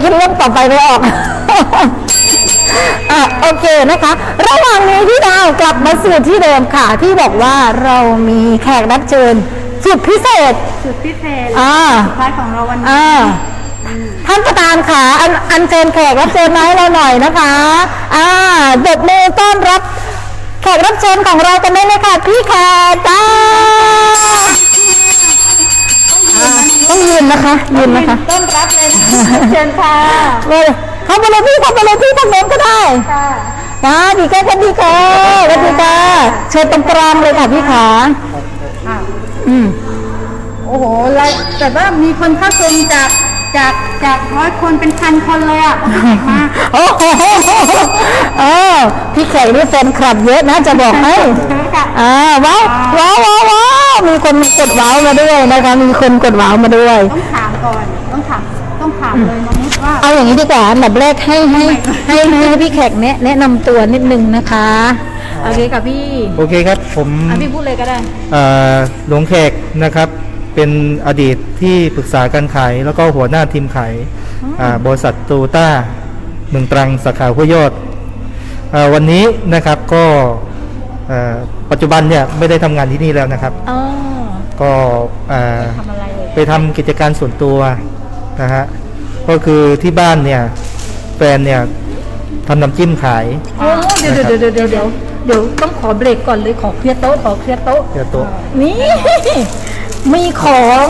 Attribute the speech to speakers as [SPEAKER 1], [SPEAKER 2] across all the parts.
[SPEAKER 1] คิดเรื่องต่อไปไม่ออก โอเคนะคะ ระหว่างนี้พี่ดาวกลับมาสู่ที่เดิมค่ะที่บอกว่าเรามีแขกรับเชิญสุดพิเศษ
[SPEAKER 2] สุดพิเศษสุดท้ายของเราวันนี้
[SPEAKER 1] ท่านประธานค่ะอันเชิญแขกรับเชิญมาให้เราหน่อยนะคะเด็กมือต้อนรับแขกรับเชิญของเรากันได้เลยค่ะพี่แขกจ้าต้องยืนนะคะยืนนะคะ
[SPEAKER 2] ต้อนรับเลยเชิญค่ะ
[SPEAKER 1] เลยเข้าไปเลยพี่เข้าไปเลยพี่ทางโน้นก็ได้ค่ะดีค่ะดีค่ะสวัสดีค่ะเชิญตรงกลางเลยค่ะพี่ขา
[SPEAKER 2] โอ้โหแต่ว่ามีคนเข้าชมจาก100 คนเป็น1,000 คนเลยอ่ะมาก
[SPEAKER 1] โอ้โหพี่แขกนี่แฟนคลับเยอะนะจะบอกให้ว้าวมีคนกดว้าวมาด้วยนะคะมีคนกดว้าวมาด้วย
[SPEAKER 2] ต้องถามก่อนต้องถามเลยน้องนุชว่า
[SPEAKER 1] เอาอย่างนี้ดีกว่าอันดับแรกให้พี่แขกแนะนำตัวนิดนึงนะคะโอเคกับพี่
[SPEAKER 3] โอเคครับผม
[SPEAKER 1] พี่พูดเลยก็ได้
[SPEAKER 3] หลวงแขกนะครับเป็นอดีตที่ปรึกษาการขายแล้วก็หัวหน้าทีมขายบริษัทโตโยต้าเมืองตรังสาขาห้วยยอดวันนี้นะครับก็ปัจจุบันเนี่ยไม่ได้ทำงานที่นี่แล้วนะครับก็ไปทำกิจการส่วนตัวนะฮะก็คือที่บ้านเนี่ยแฟนเนี่ยทำน้ำจิ้มขาย
[SPEAKER 1] เดี๋ยวต้องขอเบรกก่อนเลยขอเคลียร์โต๊ะนี่มีของ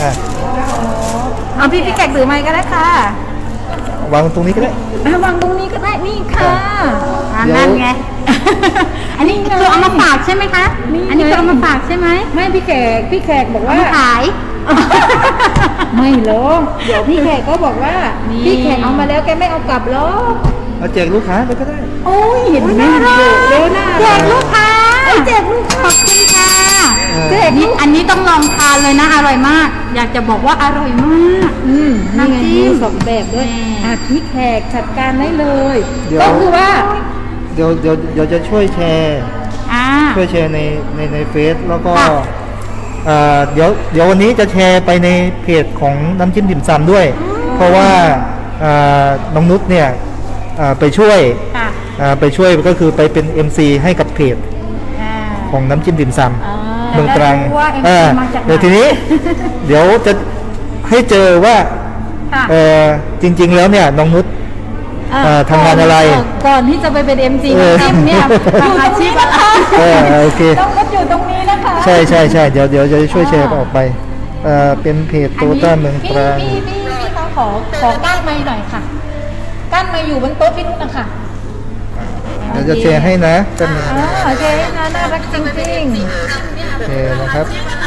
[SPEAKER 1] เอาพี่แขกถือไม้ก็ได้ค่ะ
[SPEAKER 3] วางตรงนี้ก็ได้
[SPEAKER 1] วางตรงนี้ก็ได้นี่ค่ะ
[SPEAKER 2] นั่นไงอันนี้คือเอามาฝากใช่ไหมคะอันนี้คือเอามาฝากใช่ไหม
[SPEAKER 1] ไม่พี่แขกบอกว่า
[SPEAKER 2] ขาย
[SPEAKER 1] ไม่หรอกเดี๋ยวพี่แขกก็บอกว่าพี่แขกเอามาแล้วแกไม่เอากลับหรอก
[SPEAKER 3] เอาแจกลูกค้าไปก็ได้
[SPEAKER 1] โอ้ยเห็นไหม
[SPEAKER 2] เร็วนะแจกลูกค้า
[SPEAKER 1] แจกลูกขอบคุณค่ะ
[SPEAKER 2] แจกนี่อันนี้ต้องลองทานเลยนะอร่อยมากอยากจะบอกว่าอร่อยมาก
[SPEAKER 1] น้ำจิ้ม2 แบบด้วยพี่แขกจัดการได้เลยก็คือว่า
[SPEAKER 3] เดี๋ยวจะช่วยแชร์ในเฟซแล้วก็เดี๋ยววันนี้จะแชร์ไปในเพจของน้ำจิ้มดิ่มซำด้วยเพราะว่าน้องนุชเนี่ยไปช่วยก็คือไปเป็น MC ให้กับเพจของน้ำจิ้มดิ่มซำเมืองตรังเดี๋ยวทีนี้เดี๋ยวจะให้เจอว่าจริงๆแล้วเนี่ยน้องนุชทำงานอะไร
[SPEAKER 1] ก่อนที่จะไปเป็น MC น้ำจิ้มเนี่ยอยู่อาชีพอะไร
[SPEAKER 3] โอเค
[SPEAKER 1] ต้องนุชอยู่ตรงนี้นะคะ
[SPEAKER 3] ใช่เดี๋ยวจะช่วยแชร์ออกไปเป็นเพจโตโยต้าเมืองตรัง
[SPEAKER 1] พี่คะขอก้านไม้หน่อยค่ะก้านไม้อยู่บนโต๊ะพี่นุชนะคะ
[SPEAKER 3] เดี๋ยวจะแชร์ให้นะกัน
[SPEAKER 1] โอเคนะน่ารักจริง
[SPEAKER 3] ๆแชร์นะครับ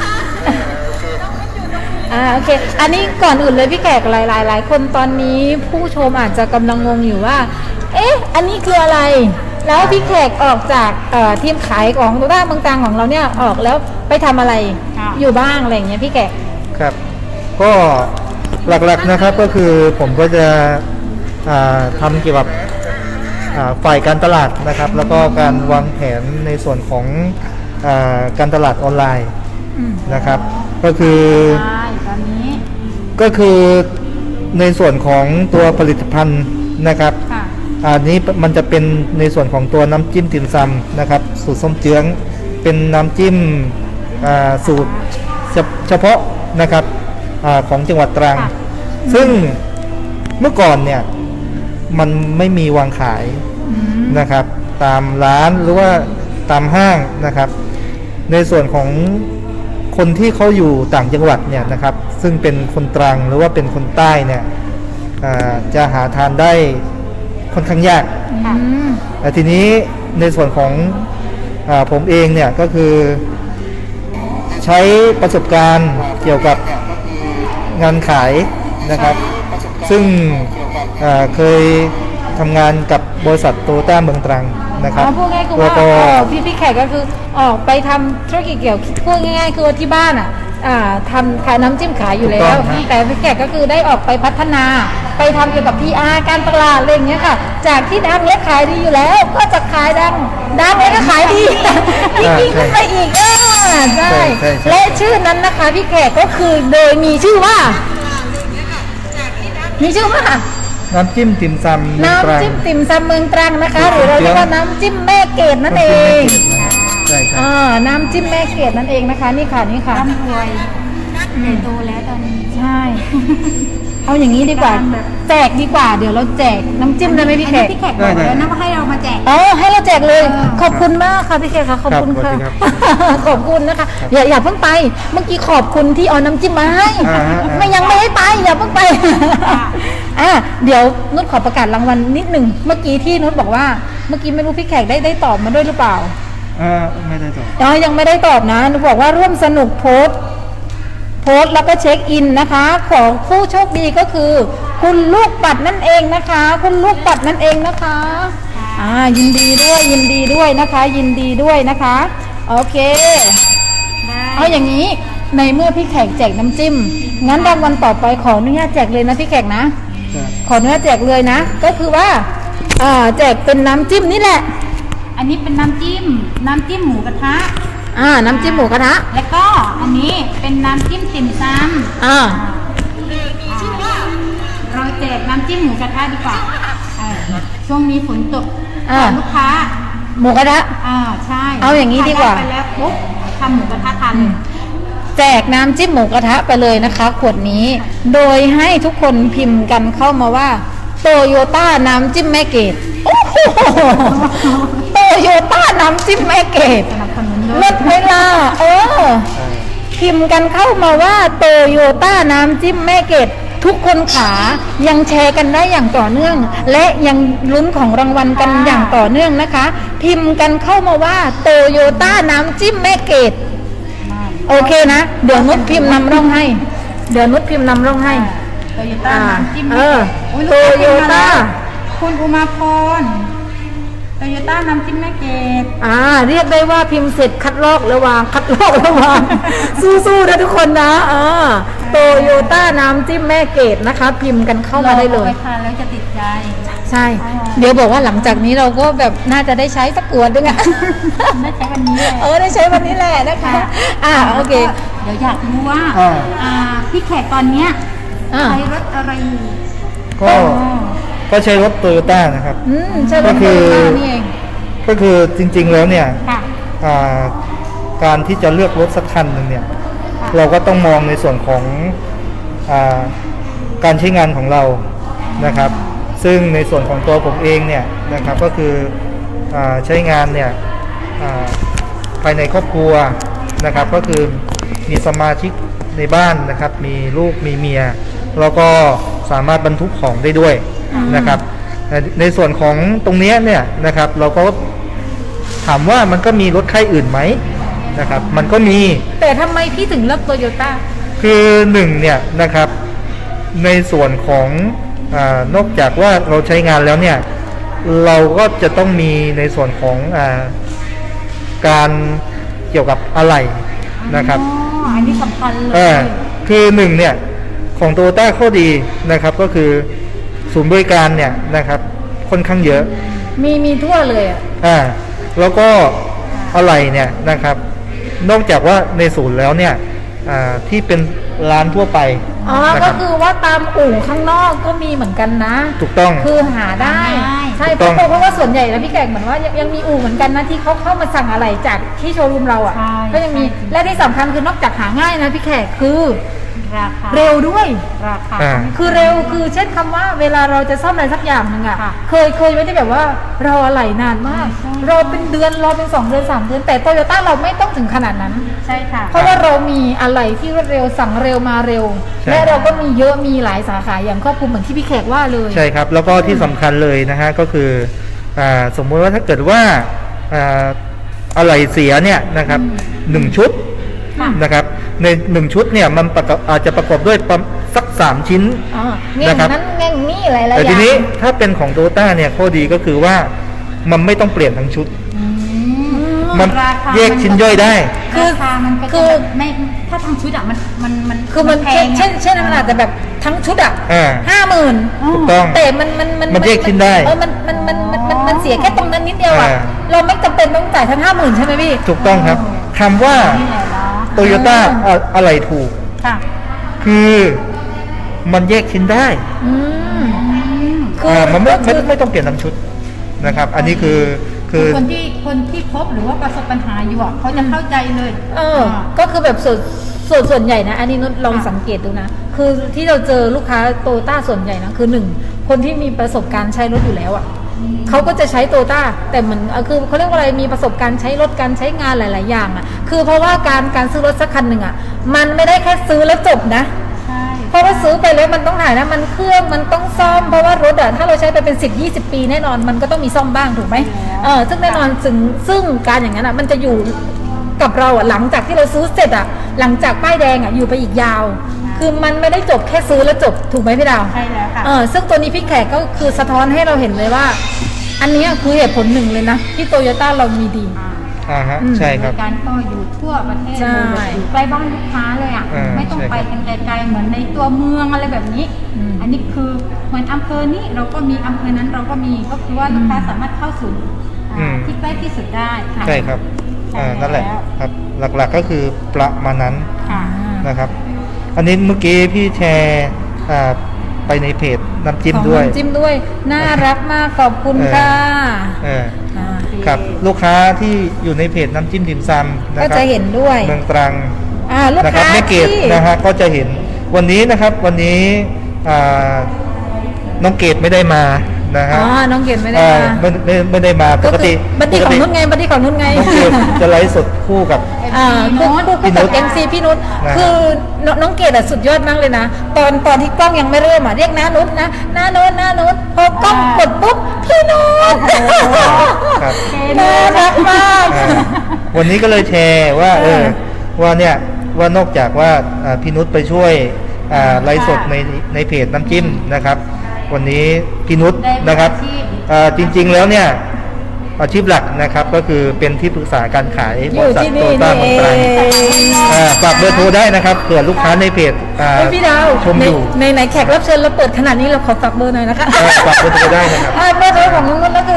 [SPEAKER 1] โอเคอันนี้ก่อนอื่นเลยพี่แขกหลายคนตอนนี้ผู้ชมอาจจะกำลังงงอยู่ว่าอันนี้คืออะไรแล้วพี่แขกออกจากทีมขายของโตโยต้าเมืองตรังของเราเนี่ยออกแล้วไปทำอะไรอยู่บ้างอะไรอย่างเงี้ยพี่แขก
[SPEAKER 3] ครับก็หลักๆนะครับก็คือผมก็จะทำเกี่ยวกับฝ่ายการตลาดนะครับแล้วก็การวางแผนในส่วนของการตลาดออนไลน์นะครับก็คือในส่วนของตัวผลิตภัณฑ์นะครับอันนี้มันจะเป็นในส่วนของตัวน้ำจิ้มติ่มซำนะครับสูตรส้มเจื้องเป็นน้ำจิ้มสูตรเฉพาะนะครับของจังหวัดตรังซึ่งเมื่อก่อนเนี่ยมันไม่มีวางขายนะครับตามร้านหรือว่าตามห้างนะครับในส่วนของคนที่เขาอยู่ต่างจังหวัดเนี่ยนะครับซึ่งเป็นคนตรังหรือว่าเป็นคนใต้เนี่ยจะหาทานได้ค่อนข้างยากแต่ทีนี้ในส่วนของผมเองเนี่ยก็คือใช้ประสบการณ์เกี่ยวกับงานขายนะครับซึ่งเคยทำงานกับบริษัทโตโยต้าเมืองตรังนะครับ
[SPEAKER 1] พูดง่ายคือว่าพี่แขกก็คือออกไปทำธุรกิจเกี่ยวพูดง่ายๆคือที่บ้านทำขายน้ำจิ้มขายอยู่แล้วแต่พี่แขกก็คือได้ออกไปพัฒนาไปทำเกี่ยวกับ PR การตลาดอะไรอย่างเงี้ยค่ะจากที่ดังและขายดีอยู่แล้วก็จะขายดังแล้วก็ขายดียิ่งขึ้นไปอีกใช่และชื่อนั้นนะคะพี่แขกก็คือโดยมีชื่อว่า
[SPEAKER 3] น้ำจิ้มติ่มซำเมืองตรัง
[SPEAKER 1] น้ำจิ้มติ่มซำเมืองตรังนะคะ ห
[SPEAKER 3] สู
[SPEAKER 1] รือ
[SPEAKER 3] ตร
[SPEAKER 1] เรา
[SPEAKER 3] ส้มเจี๊
[SPEAKER 1] เรี
[SPEAKER 3] ย
[SPEAKER 1] ยกว่าน้ำจิ้มแม่เกดนั่นเอง
[SPEAKER 3] ใช่ใช่
[SPEAKER 1] น้ำจิ้มแม่เกดนั่นเองนะคะ นี่ค่ะนี่ค่ะ
[SPEAKER 2] ร่ำรวยใหญ่โตแล้วตอนนี้
[SPEAKER 1] ใช่ เอาอย่างนี้ดีกว่า แจกดีกว่า เดี๋ยวเราแจกน้ำจิ้มได้ไหมพี่แขก
[SPEAKER 2] พี่แขกบอกแล้วนะว่าให้เรามาแจก
[SPEAKER 1] อ๋อให้เราแจกเลย ขอบคุณมากค่ะพี่แขกค่ะขอบคุณค่ะ ขอบคุณนะคะ อย่าเพิ่งไป เมื่อกี้ขอบคุณที่เอาน้ำจิ้มมาให้ไม่ยังไม่ให้ไปอย่าเพิ่งไปเดี๋ยวนุชขอประกาศรางวัลนิดหนึ่งเมื่อกี้ที่นุชบอกว่าเมื่อกี้ไม่รู้พี่แขกได้ตอบมาด้วยหรือเปล่า
[SPEAKER 3] ไม่ได้ตอบ
[SPEAKER 1] ยังไม่ได้ตอบนะนุชบอกว่าร่วมสนุกโพสต์แล้วก็เช็คอินนะคะ ของผู้โชคดีก็คือ คุณลูกปัดนั่นเองนะคะ คุณลูกปัดนั่นเองนะคะยินดีด้วยนะคะ ยินดีด้วยนะคะ โอเค เอาอย่างนี้ในเมื่อพี่แขกแจกน้ำจิ้มงั้นรางวัลต่อไปขออนุญาตแจกเลยนะพี่แขกนะขออนุญาตแจกเลยนะก็คือว่าแจกเป็นน้ำจิ้มนี่แหละ
[SPEAKER 2] อันนี้เป็นน้ำจิ้มหมูกระทะ
[SPEAKER 1] น้ำจิ้มหมูกระทะ
[SPEAKER 2] แล้วก็อันนี้เป็นน้ำจิ้มติ่มซำเราแจกน้ำจิ้มหมูกระทะดีกว่าช่วงนี้ฝนตกลูกค้า
[SPEAKER 1] หมูกระทะ
[SPEAKER 2] ใช่
[SPEAKER 1] เอาอย่างนี้ดีกว่า
[SPEAKER 2] ไปแล้วปุ๊บทำหมูกระทะทานเลย
[SPEAKER 1] แจกน้ำจิ้มหมูกระทะไปเลยนะคะขวดนี้ โดยให้ทุกคนพิมพ์กันเข้ามาว่าโตโยต้าน้ำจิ้มแม่เกดโอ้โหโตโยต้าน้ำจิ้มแม่เกด
[SPEAKER 2] สนับสนุนด้วย
[SPEAKER 1] เลิศเวลาพิมพ์กันเข้ามาว่าโตโยต้าน้ำจิ้มแม่เกดทุกคนขายังแชร์กันได้อย่างต่อเนื่อง และยังลุ้นของรางวัลกันอย่างต่อเนื่องนะคะ พิมพ์กันเข้ามาว่าโตโยต้าน้ำจิ้มแม่เกดโอเคนะเดี๋ยวนุชพิมพ์นำร่องให้โตโยต้าน้ำจิ้มโตโยต้า
[SPEAKER 2] คุณอุมาพรโตโยต้าน้ำจิ้มแม่เกด
[SPEAKER 1] เรียกได้ว่าพิมพ์เสร็จคัดลอกระวาง สู้ๆนะทุกคนนะโตโยต้าน้ำจิ้มแม่เกดนะคะ พิมพ์กันเข้ามาได้เลย
[SPEAKER 2] ไปทานแล้วจะติดใจ
[SPEAKER 1] ใช่ เดี๋ยวบอกว่าหลังจากนี้เราก็แบบน่าจะได้ใช้สักขวดนึงอะ
[SPEAKER 2] ได้ใช้วันนี้เลย
[SPEAKER 1] ได้ใช้วันนี้แหละนะคะโอเค
[SPEAKER 2] เดี๋ยวอยากรู้ว่าพี่แขกตอนเนี้ยใช้รถอะไรอยู่
[SPEAKER 3] ก็ใช้รถโตโยต้านะครับ
[SPEAKER 1] ใช่รถโตโยต้านี่เอง
[SPEAKER 3] ก็คือจริงๆแล้วเนี่ย
[SPEAKER 2] ค่ะ
[SPEAKER 3] การที่จะเลือกรถสักคันหนึ่งเนี่ยเราก็ต้องมองในส่วนของการใช้งานของเรานะครับ ซึ่งในส่วนของตัวผมเองเนี่ยนะครับก็คือใช้งานเนี่ยภายในครอบครัวนะครับก็คือมีสมาชิกในบ้านนะครับมีลูกมีเมียแล้วก็สามารถบรรทุกของได้ด้วยนะครับในส่วนของตรงนี้เนี่ยนะครับเราก็ถามว่ามันก็มีรถค่ายอื่นไหมนะครับมันก็มี
[SPEAKER 1] แต่ทำไมพี่ถึงเลือกโตโยต้า
[SPEAKER 3] คือหนึ่งเนี่ยนะครับในส่วนของนอกจากว่าเราใช้งานแล้วเนี่ยเราก็จะต้องมีในส่วนของการเกี่ยวกับอะไหล่นะครับ
[SPEAKER 2] อันนี้สำคัญเลย
[SPEAKER 3] คือหนึ่งเนี่ยของโตโยต้าข้อดีนะครับก็คือศูนย์บริการเนี่ยนะครับค่อนข้างเยอะ
[SPEAKER 1] มีทั่วเลย
[SPEAKER 3] แล้วก็อะไหล่เนี่ยนะครับนอกจากว่าในศูนย์แล้วเนี่ยที่เป็นร้านทั่วไปนะค
[SPEAKER 1] ก็
[SPEAKER 3] รับ
[SPEAKER 1] คือว่าตามอู่ข้างนอกก็มีเหมือนกันนะ
[SPEAKER 3] ถูกต้อง
[SPEAKER 1] คือหาได้ใช่
[SPEAKER 3] ถูกต้อง
[SPEAKER 1] เพราะว่าส่วนใหญ่แล้วพี่แขกเหมือนว่ายังมีอู่เหมือนกันนะที่เขาเข้ามาสั่งอะไรจากที่โชว์รูมเราก็ยังมีและที่สำคัญคือนอกจากหาง่ายนะพี่แขกคือ
[SPEAKER 2] ราคา
[SPEAKER 1] เร็วด้วย
[SPEAKER 2] ราคา
[SPEAKER 1] คือเร็วคือเช่นคำว่าเวลาเราจะซ่อมอะไรสักอย่างหนึ่งเคยไม่ได้แบบว่ารออะไรนานมากรอเป็นเดือนรอเป็น2 เดือน3 เดือนแต่โตโยต้าเราไม่ต้องถึงขนาดนั้น
[SPEAKER 2] ใช่ค่ะ
[SPEAKER 1] เพราะว่าเรามีอะไรที่รวดเร็วสั่งเร็วมาเร็ว และเราก็มีเยอะมีหลายสาขาอย่างครอบคลุมเหมือนที่พี่แขกว่าเลย
[SPEAKER 3] ใช่ครับแล้วก็ที่สำคัญเลยนะฮะก็คือสมมติว่าถ้าเกิดว่าอะไหล่เสียเนี่ยนะครับ1 ชุดนะครับใน1 ชุดเนี่ยมันอาจจะประกอบด้วยสัก3 ชิ้น
[SPEAKER 1] แง่งนั้นแง่งนี่หลายๆอย่าง
[SPEAKER 3] แต่ทีนี้ถ้าเป็นของโตโยต้าเนี่ยข้อดีก็คือว่ามันไม่ต้องเปลี่ยนทั้งชุดมันแยกชิ้นย่อยได้
[SPEAKER 2] คือราคามันก็จะแบบไม่ถ้าทางชุดอะมัน
[SPEAKER 1] คือมัน
[SPEAKER 2] แพง
[SPEAKER 1] เช่นมันอาจจะแบบทั้งชุด50,000
[SPEAKER 3] ถูกต้อง
[SPEAKER 1] แต่มัน
[SPEAKER 3] แยกชิ้นได้
[SPEAKER 1] มันเสียแค่ตรงนั้นนิดเดียวเราไม่จำเป็นต้องจ่ายทั้ง50,000ใช่ไหมพี่
[SPEAKER 3] ถูกต้องครับคำว่า
[SPEAKER 2] นี่แหละเนาะ
[SPEAKER 3] โตโยต้าอะไรถูก
[SPEAKER 2] ค่ะ
[SPEAKER 3] คือมันแยกชิ้นได้มันไม่ต้องเปลี่ยนน้ำชุดนะครับ อันนี้คือ
[SPEAKER 2] คนที่พบหรือว่าประสบปัญหาอยู่อ่ะเขาจะเข้าใจเลย
[SPEAKER 1] ก็คือแบบส่วนใหญ่นะอันนี้นุชลองสังเกตดูนะคือที่เราเจอลูกค้าโตต้าส่วนใหญ่นะคือ1คนที่มีประสบการณ์ใช้รถอยู่แล้วอ่ะเขาก็จะใช้โตต้าแต่มันคือเขาเรียกว่าอะไรมีประสบการณ์ใช้รถการใช้งานหลาย ๆ อย่างอ่ะคือเพราะว่าการซื้อรถสักคันหนึ่งอ่ะมันไม่ได้แค่ซื้อแล้วจบนะเพราะว่าซื้อไปแล้วมันต้องถ่ายนะมันเครื่องมันต้องซ่อมเพราะว่ารถอ่ะถ้าเราใช้ไปเป็น10-20 ปีแน่นอนมันก็ต้องมีซ่อมบ้างถูกไหมซึ่งแน่นอนซึ่งการอย่างนั้นอ่ะมันจะอยู่กับเราอ่ะหลังจากที่เราซื้อเสร็จอ่ะหลังจากป้ายแดงอ่ะอยู่ไปอีกยาวคือมันไม่ได้จบแค่ซื้อแล้วจบถูกไหมพี่ดาว
[SPEAKER 2] ใช่แล้วค่ะ
[SPEAKER 1] ซึ่งตัวนี้พี่แขกก็คือสะท้อนให้เราเห็นเลยว่าอันนี้คือเหตุผลหนึ่งเลยนะที่โตโยต้าเรามีดี
[SPEAKER 3] ใช่ครับ
[SPEAKER 2] การก็อยู่ทั่วประเทศ
[SPEAKER 1] ใช่
[SPEAKER 2] อยู่ใกล้บ้านลูกค้าเลยอ่ะไม่ต้องไปกันไกลๆเหมือนในตัวเมืองอะไรแบบนี้อันนี้คือเหมือนอำเภอนี้เราก็มีอำเภอนั้นเราก็มีก็คือว่าลูกค้าสามารถเข้าสู่ที่ใกล้ที่สุดได้
[SPEAKER 3] ใช่ครับนั่นแหละครับหลักๆก็คือประมาณนั้นนะครับอันนี้เมื่อกี้พี่แชร์ไปในเพจน้ำจิ้มด้วย
[SPEAKER 1] น่ารักมากขอบคุณค่ะ
[SPEAKER 3] ครับลูกค้าที่อยู่ในเพจน้ำจิ้มติ่มซำ
[SPEAKER 1] ก็จะเห็นด้วย
[SPEAKER 3] เมืองตรัง
[SPEAKER 1] ลูกค้า
[SPEAKER 3] แม่เกดนะฮะก็จะเห็นวันนี้นะครับวันนี้น้องเกดไม่ได้มานะฮะ
[SPEAKER 1] น้องเกดไม่ได้มา
[SPEAKER 3] ไม่ได้มาปกติ
[SPEAKER 1] บัดดี้ของนุ่นไงบัดดี้ของนุ่นไง
[SPEAKER 3] น้องเกดจะไลฟ์สดคู่กับ
[SPEAKER 1] คู่กับMC พี่นุชคือน้องเกดสุดยอดมากเลยนะตอนที่กล้องยังไม่เริ่มเรียกน้านุชนะน้านุชพอกล้องกดปุ๊บพี่นุชน่ารักมาก
[SPEAKER 3] วันนี้ก็เลยแชร์ว่าว่านอกจากว่าพี่นุชไปช่วยไลฟ์สดในเพจน้ำจิ้มนะครับวันนี้พี่นุชนะครับจริงๆแล้วเนี่ยอาชีพหลักนะครับก็คือเป็นที่ปรึกษาการขายบริษัทโตต้าเมืองตรังฝากเบอร์โทรได้นะครับเผื่อลูกค้าในเพจ
[SPEAKER 1] พี่ดาว
[SPEAKER 3] ชมอยู่
[SPEAKER 1] ในแขกรับเชิญเราเปิดขนาดนี้เราขอฝากเบอร์หน่อยนะคะ
[SPEAKER 3] ฝากเบอร์โทรได้นะครับ
[SPEAKER 1] เบอร์โทรของน้องนุ่นก็คือ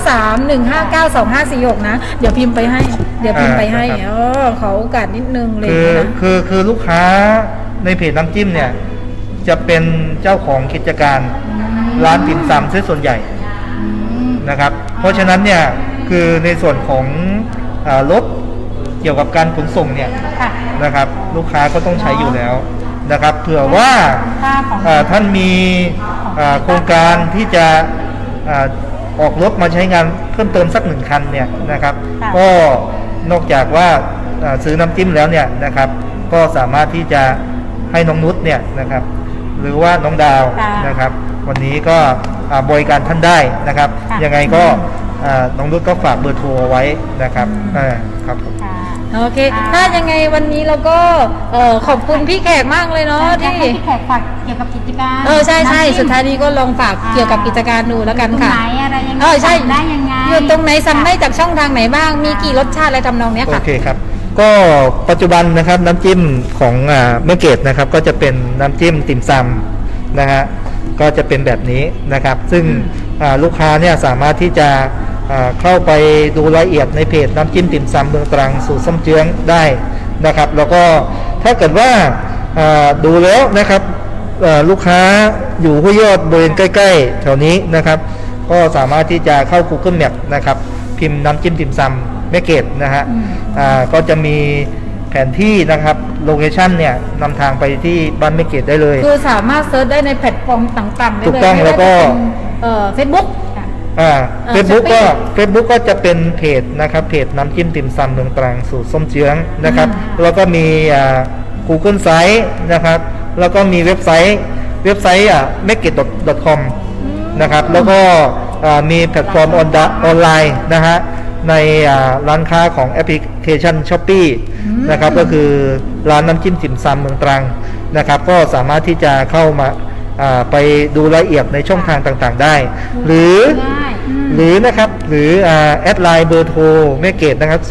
[SPEAKER 1] 0931592546นะเดี๋ยวพิมพ์ไปให้ขอโอกาสนิดนึงเลยนะ
[SPEAKER 3] คือลูกค้าในเพจน้ำจิ้มเนี่ยจะเป็นเจ้าของกิจการร้านติ่มซำซะส่วนใหญ่นะครับเพราะฉะนั้นเนี่ยคือในส่วนของรถเกี่ยวกับการขนส่งเนี่ยนะครับลูกค้าก็ต้องใช้อยู่แล้วนะครับเผื่อว่าท่านมีโครงการที่จะออกรถมาใช้งานเพิ่มเติมสัก1 คันเนี่ยนะครับก็นอกจากว่าซื้อน้ำจิ้มแล้วเนี่ยนะครับก็สามารถที่จะให้น้องนุชเนี่ยนะครับหรือว่าน้องดาวนะครับวันนี้ก็บริการท่านได้นะครับยังไงก็น้องนุชก็ฝากเบอร์โทรไว้นะครับครับผม
[SPEAKER 1] โอเคถ้ายังไงวันนี้เราก็ขอบคุณพี่แขกมากเลยเนาะที่
[SPEAKER 2] พี่แขกฝากเกี่ยวกับกิจการ
[SPEAKER 1] ใช่สุดท้ายนี้ก็ลองฝากเกี่ยวกับกิจการดูแล้วกันค่ะ
[SPEAKER 2] ไหนอะไรยังไง
[SPEAKER 1] ใช่
[SPEAKER 2] ได้ยังไง
[SPEAKER 1] อยู่ตรงไหนสั่งได้จากช่องทางไหนบ้างมีกี่รสชาติอะไรทำนองเนี้ยค่ะ
[SPEAKER 3] โอเคครับก็ปัจจุบันนะครับน้ำจิ้มของแม่เกดนะครับก็จะเป็นน้ำจิ้มติ่มซำนะฮะก็จะเป็นแบบนี้นะครับซึ่งลูกค้าเนี่ยสามารถที่จะเข้าไปดูรายละเอียดในเพจน้ำจิ้มติ่มซำเมืองตรังสูตรส้มเจื้องได้นะครับแล้วก็ถ้าเกิดว่าดูแล้วนะครับลูกค้าอยู่ห้วยยอดบริเวณใกล้ๆแถวนี้นะครับก็สามารถที่จะเข้า Google Map นะครับพิมพ์น้ำจิ้มติ่มซำแม่เกดนะฮะก็จะมีแผนที่นะครับโลเคชั่นเนี่ยนำทางไปที่บ้านแม่เกดได้เลย
[SPEAKER 1] คือสามารถเซิร์ชได้ในแพลตฟอร์มต่างๆได้เลย
[SPEAKER 3] ถูกต้องแล้วก็
[SPEAKER 1] Facebook
[SPEAKER 3] Facebook ก็จะเป็นเพจนะครับเพจน้ำจิ้มติ่มซำเมืองตรังสูตรส้มเจื้องนะครับแล้วก็มีGoogle Site นะครับแล้วก็มีเว็บไซต์mekit.com นะครับแล้วก็มีแพลตฟอร์มออนไลน์นะฮะในร้านค้าของแอปพลิเคชัน Shopee นะครับก็คือร้านน้ำจิ้มติ่มซำเมืองตรังนะครับก็สามารถที่จะเข้ามาไปดูรายละเอียดในช่องทางต่างๆได้หรือนะครับหรือแอดไลน์เบอร์โทรแม่เกดนะครับ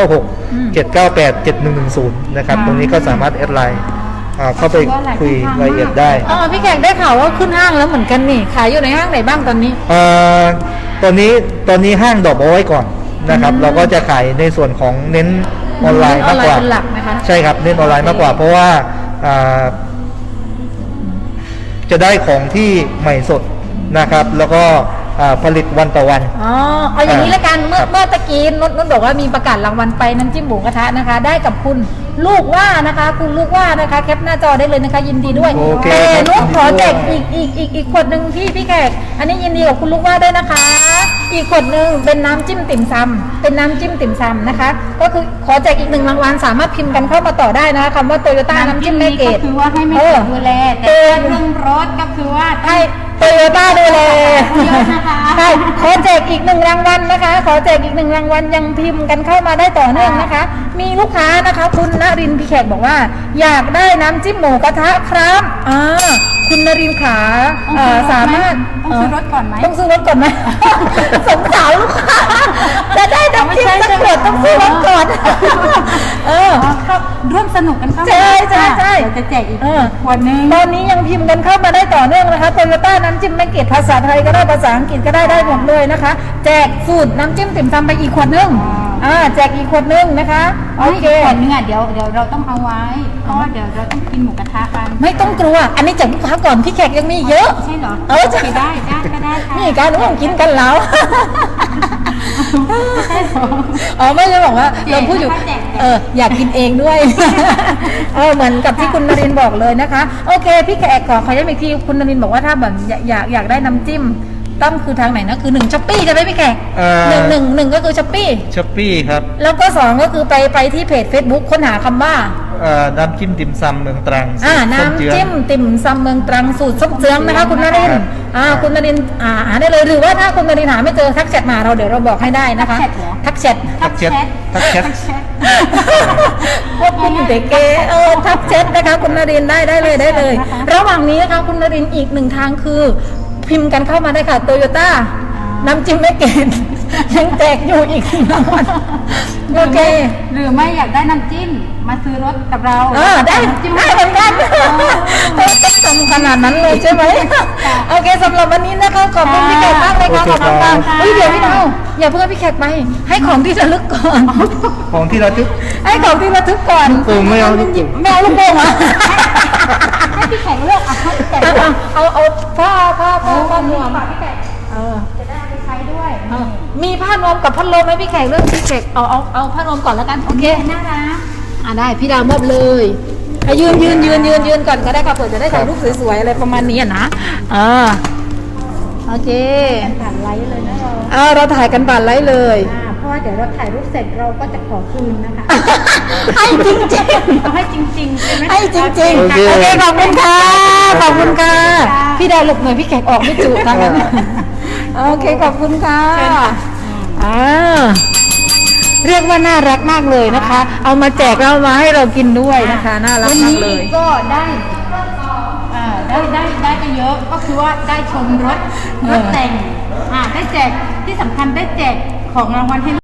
[SPEAKER 3] 0967987110นะครับตรงนี้ก็สามารถแอดไลน์เข้าไปคุยรายละเอียดได้
[SPEAKER 1] พี่แขกได้ข่าวว่าขึ้นห้างแล้วเหมือนกันนี่ขายอยู่ในห้างไหนบ้างตอนนี้
[SPEAKER 3] ตอนนี้ห้างดอกเอาไว้ก่อนนะครับเราก็จะขายในส่วนของเน้นออนไลน์มากกว่าใช่ครับเน้นออนไลน์มากกว่าเพราะว่าจะได้ของที่ใหม่สดนะครับ แล้วก็ผลิตวันต่อวัน
[SPEAKER 1] อ๋อเอาอย่างนี้ละกันเมื่อตะกี้นุ่นบอกว่ามีประกาศรางวัลไปน้ำจิ้มหมูกระทะนะคะ ได้กับคุณลูกว่านะคะ คุณลูกว่านะคะแคปหน้าจอได้เลยนะคะ ยินดีด้วย
[SPEAKER 3] โอเค
[SPEAKER 1] แต่
[SPEAKER 3] ครับ
[SPEAKER 1] นุ่นขอแจก
[SPEAKER 3] ยินดีด้วย
[SPEAKER 1] อีกขวดหนึ่งพี่แขกอันนี้ยินดีกับคุณลูกว่าด้วยนะคะ อีกขวดหนึ่งเป็นน้ำจิ้มติ่มซำเป็นน้ำจิ้มติ่มซำนะคะ ก็คือขอแจกอีก1รางวัลสามารถพิมพ์กันเข้ามาต่อได้นะคะคำว่าโตโยต้าน้ำจิ้มแม่เกด
[SPEAKER 2] ก็คือว่าให้ไม่เสียดูแลแต่เรื่องรถก็คือว่า
[SPEAKER 1] ให้โตโยต้าดูแล
[SPEAKER 2] เยอะนะคะ
[SPEAKER 1] ใช่ขอแจกอีก1รางวัลนะคะ ขอแจกอีก1รางวัลยังพิมพ์กันเข้ามาได้ต่อเนื่องนะคะ มีลูกค้านะคะคุณนรินทร์พี่แขกบอกว่า อยากได้น้ำจิ้มหมูกระทะครับคุณนรินทร์ขาสามารถ
[SPEAKER 2] ต้องซื้อรถก่อนไหม
[SPEAKER 1] ต้องซื้อรถก่อนไหม สงสารลูกค้าจะได้น้ำจิ้มสักขวดต้องซื้อรถก่อน
[SPEAKER 2] ครับร่วมสนุกกันเข้ามา
[SPEAKER 1] ใช่ใช่ใช่
[SPEAKER 2] เดี๋ยวจะแจกอีกขวดนึง
[SPEAKER 1] ตอนนี้ยังพิมพ์กันเข้ามาได้ต่อเนื่องนะคะโตโยต้าน้ำจิ้มแม่เกดภาษาไทยก็ได้ภาษาอังกฤษก็ได้หมดเลยนะคะ แจกสูตรน้ำจิ้มติ่มซำไปอีกขวดนึงแจกอีกขวดนึงนะคะโอเค
[SPEAKER 2] ขวดนึงเดี๋ยวเราต้องเอาไว้เพราะว่าเดี๋ยวเราต้องกินหมูกระทะกัน
[SPEAKER 1] ไม่ต้องกลัว อันนี้จากลูกค้าก่อนพี่แขกยังมีเยอะ
[SPEAKER 2] ใช่เหรอ
[SPEAKER 1] ใช่
[SPEAKER 2] ได้ก็ได้ค่ะ
[SPEAKER 1] นี่การร่วมกินกันแล้วไม่ได้บอกว่าเราพูดอยู่อยากกินเองด้วยเหมือนกับที่คุณนรินทร์บอกเลยนะคะโอเคพี่แขกขอย้ำอีกทีคุณนรินทร์บอกว่าถ้าแบบอยากได้น้ำจิ้มต้องคือทางไหนนะคือ1ช้อปปี้ใช่ไหมพี่แขกหนึ่งก็คือช้อปปี้
[SPEAKER 3] ช้อปปี้ครับ
[SPEAKER 1] แล้วก็2ก็คือไปที่เพจ Facebook ค้นหาคำว่า
[SPEAKER 3] น้ำจิ้มติ่มซำเมืองตรัง
[SPEAKER 1] น้ำจิ้มติ่มซำเมืองตรังสูตรส้มเจืองนะคะคุณนรินทร์คุณนรินทร์หาได้เลยหรือว่าถ้าคุณนรินทร์หาไม่เจอทักแชทมาเดี๋ยวเราบอกให้ได้นะคะทักแชท พวกคุณเด็กเกทักแชทนะคะคุณนรินทร์ได้เลยระหว่างนี้นะคะคุณนรินทร์อีก1ทางคือพิมพ์กันเข้ามาได้ค่ะโตโยต้าน้ำจิ้มแม่เกดยังแจกอยู่อีกรางวัลโอเค
[SPEAKER 2] หรือไม่อยากได้น้ำจิ้มมาซื้อรถกับเรา
[SPEAKER 1] ได้เหมือนกันต้องทำขนาดนั้นเลยใช่ไหมโอเคสำหรับวันนี้นะคะขอบคุณพี่แขกมากเลยค่ะขอบคุณค่ะเดี๋ยวพี่ดาวอย่าเพิ่งพี่แขกไปให้ของที่ระลึกก่อน
[SPEAKER 3] ของที่ระลึก
[SPEAKER 1] ให้ของที่ระลึกก่อน
[SPEAKER 3] ไม่เอาลูก
[SPEAKER 1] ไม่เอาลูกโป่งอ่ะ
[SPEAKER 2] ให้พี่แขกเลือกให้พี่แขกเลือก
[SPEAKER 1] เอาผ้านวม
[SPEAKER 2] พี่แขกจะได้เอาไปใช้ด้วย
[SPEAKER 1] มีผ้านวมกับพัดลมไหมพี่แขกเลือกพี่แขกเอาผ้านวมก่อนแล้วกันโอเค
[SPEAKER 2] น่ารัก
[SPEAKER 1] ได้พี่ดาวมอบเลยยืนก่อนก็ได้ค่ะเผื่อจะได้ถ่ายรูปสวยๆอะไรประมาณนี้นะโอเค
[SPEAKER 2] ผ่านไลฟ์เลยนะเรา
[SPEAKER 1] เราถ่ายกันผ่านไลฟ์เลย
[SPEAKER 2] เพราะว่าเดี๋ยวเราถ่ายรูปเสร็จเราก็จะขอคืนนะคะ
[SPEAKER 1] ให้จริง
[SPEAKER 2] เอาให้จริงๆใช่ไหม
[SPEAKER 1] ๆให้จริงๆโอเคขอบคุณค่ะพี่ดาวหลบหน่อยพี่แขกออกไม่จุทางนั้นโอเคขอบคุณค่ะเรียกว่าน่ารักมากเลยนะคะ เอามาแจกเรามาให้เรากินด้วยนะคะน่ารัก
[SPEAKER 2] วัน
[SPEAKER 1] มาก
[SPEAKER 2] นี้
[SPEAKER 1] เลย
[SPEAKER 2] ก็ได้ไปเยอะก็คือว่าได้ชมรถแต่งได้แจกที่สำคัญได้แจกของรางวัลให้